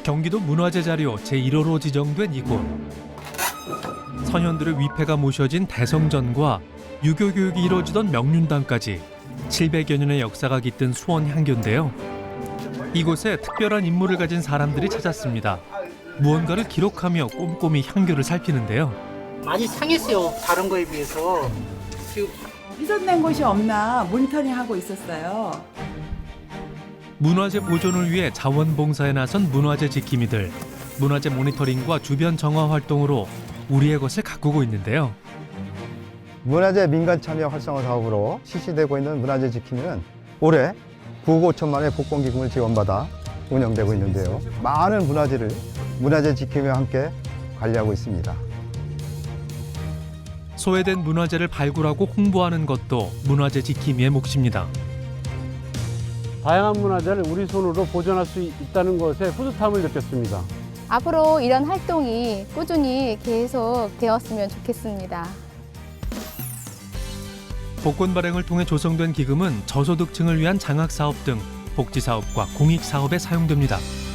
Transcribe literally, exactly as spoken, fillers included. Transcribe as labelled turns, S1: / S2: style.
S1: 경기도 문화재 자료 제일 호로 지정된 이곳. 선현들의 위패가 모셔진 대성전과 유교 교육이 이루어지던 명륜당까지 칠백여 년의 역사가 깃든 수원 향교인데요. 이곳에 특별한 임무를 가진 사람들이 찾았습니다. 무언가를 기록하며 꼼꼼히 향교를 살피는데요.
S2: 많이 상했어요. 다른 거에 비해서. 지금
S3: 훼손된 곳이 없나 모니터링하고 있었어요.
S1: 문화재 보존을 위해 자원봉사에 나선 문화재 지킴이들. 문화재 모니터링과 주변 정화 활동으로 우리의 것을 가꾸고 있는데요.
S4: 문화재 민간 참여 활성화 사업으로 실시되고 있는 문화재 지킴이는 올해 구억 오천만 원의 복권 기금을 지원받아 운영되고 있는데요. 많은 문화재를 문화재 지킴이와 함께 관리하고 있습니다.
S1: 소외된 문화재를 발굴하고 홍보하는 것도 문화재 지킴이의 몫입니다.
S5: 다양한 문화재를 우리 손으로 보존할 수 있다는 것에 뿌듯함을 느꼈습니다.
S6: 앞으로 이런 활동이 꾸준히 계속 되었으면 좋겠습니다.
S1: 복권 발행을 통해 조성된 기금은 저소득층을 위한 장학사업 등 복지사업과 공익사업에 사용됩니다.